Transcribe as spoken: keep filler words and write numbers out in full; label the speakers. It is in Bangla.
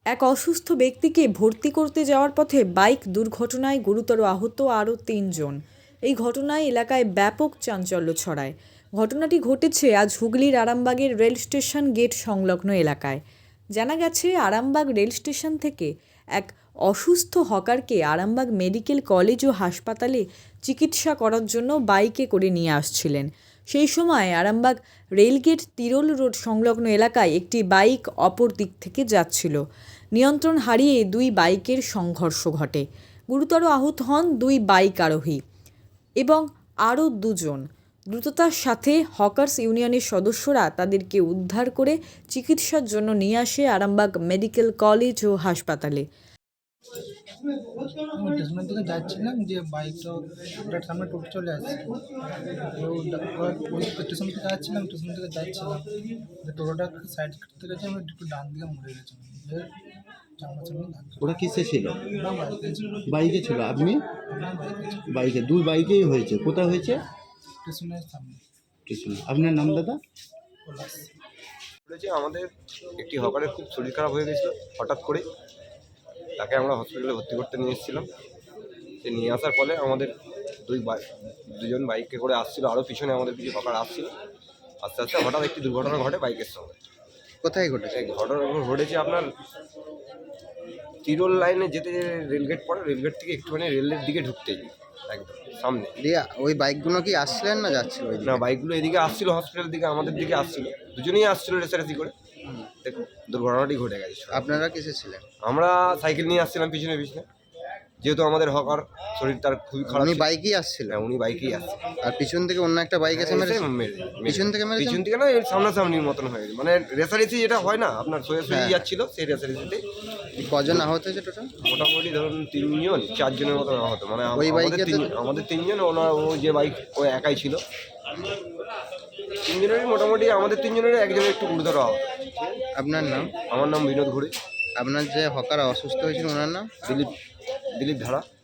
Speaker 1: এক অসুস্থ ব্যক্তিকে ভর্তি করতে যাওয়ার পথে বাইক দুর্ঘটনায় গুরুতর আহত আরও তিনজন। এই ঘটনায় এলাকায় ব্যাপক চাঞ্চল্য ছড়ায়। ঘটনাটি ঘটেছে আজ হুগলির আরামবাগের রেল স্টেশন গেট সংলগ্ন এলাকায়। জানা গেছে, আরামবাগ রেল স্টেশন থেকে এক অসুস্থ হকারকে আরামবাগ মেডিকেল কলেজ ও হাসপাতালে চিকিৎসা করার জন্য বাইকে করে নিয়ে আসছিলেন। সেই সময় আরামবাগ রেলগেট তিরোল রোড সংলগ্ন এলাকায় একটি বাইক অপর দিক থেকে যাচ্ছিল। নিয়ন্ত্রণ হারিয়ে দুই বাইকের সংঘর্ষ ঘটে। গুরুতর আহত হন দুই বাইক আরোহী এবং আরও দুজন। দ্রুততার সাথে হকার্স ইউনিয়নের সদস্যরা তাদেরকে উদ্ধার করে চিকিৎসার জন্য নিয়ে আসে আরামবাগ মেডিকেল কলেজ ও হাসপাতালে।
Speaker 2: আমি স্টেশনের দিকে যাচ্ছিলাম, যে বাইকটা ওটার সামনে টোটো চলে আসছে। ওই স্টেশন থেকে যাচ্ছিলাম স্টেশন থেকে যাচ্ছিলাম যে টোটোটা সাইড করতে গেছে, আমি একটু ডান দিকে মুড়ে গেছিলাম।
Speaker 3: ওরা কিসে ছিল?
Speaker 2: ওরা বাইকে ছিল।
Speaker 3: বাইকে ছিল। আপনি?
Speaker 2: আমার বাইকে ছিল।
Speaker 3: বাইকে, দুই বাইকেই হয়েছে। কোথায় হয়েছে?
Speaker 2: স্টেশনের সামনে।
Speaker 3: স্টেশন। আপনার নাম দাদা?
Speaker 2: পলাশ।
Speaker 4: বলেছে আমাদের একটি হকারের খুব শরীর খারাপ হয়ে গেছিলো হঠাৎ করে, তাকে আমরা হসপিটালে ভর্তি করতে নিয়ে এসেছিলাম। সে নিয়ে আসার ফলে আমাদের দুই বাইক দুজন বাইকে করে আসছিলো, আরও পিছনে আমাদের কিছু হকার আসছিল। আস্তে আস্তে হঠাৎ একটি দুর্ঘটনা ঘটে বাইকের সঙ্গে।
Speaker 3: কোথায় ঘটেছে?
Speaker 4: এই ঘটনা ঘটেছে আপনার তিরোল লাইনে যেতে যে রেলগেট পড়ে, রেলগেট থেকে একটুখানি রেলের দিকে ঢুকতেই একদম সামনে।
Speaker 3: দিয়ে ওই বাইকগুলো কি আসছিলেন না যাচ্ছিল?
Speaker 4: না, বাইকগুলো এদিকে আসছিল, হসপিটালের দিকে আমাদের দিকে আসছিল, দুজনেই আসছিল রেসারেসি করে। দেখুন দুর্ঘটনাটি ঘটে গেছে।
Speaker 3: আপনারা কিসে ছিলেন?
Speaker 4: আমরা সাইকেল নিয়ে আসছিলাম পিছনে পিছনে, যেহেতু আমাদের হকার শরীর তার খুবই খারাপ।
Speaker 3: উনি
Speaker 4: ছিল।
Speaker 3: বাইকেই আসছিলেন?
Speaker 4: হ্যাঁ, উনি বাইকেই আসছে।
Speaker 3: আর পিছন থেকে অন্য একটা বাইক এসে মেরেছে?
Speaker 4: এসে মেরে- মেরে-
Speaker 3: পিছন থেকে মেরেছে?
Speaker 4: পিছন থেকে না, এর সামনাসামনির মতন হয়ে গেছে, মানে রেসারেসি যেটা হয় না আপনার, সোজা সোজা
Speaker 3: হ্যাঁ।
Speaker 4: যাচ্ছিল, সেই রেসারেসিতে
Speaker 3: কজন আহত হয়েছে টোটাল?
Speaker 4: মোটামুটি ধরুন তিনজন চারজনের মতন আহত। মানে আম-
Speaker 3: ওই
Speaker 4: আমাদের
Speaker 3: বাইকে তো-
Speaker 4: তিন- আমাদের তিনজন, ওনার ও যে বাইক ও একাই ছিল। তিনজনেরই মোটামুটি, আমাদের তিনজনের একজনের একটু গুরুতর আহত।
Speaker 3: আপনার নাম?
Speaker 4: আমার নাম বিনোদ ঘুরে।
Speaker 3: আপনার যে হকার অসুস্থ হয়েছিল ওনার নাম?
Speaker 4: দিলীপ দিলীপ ধারা।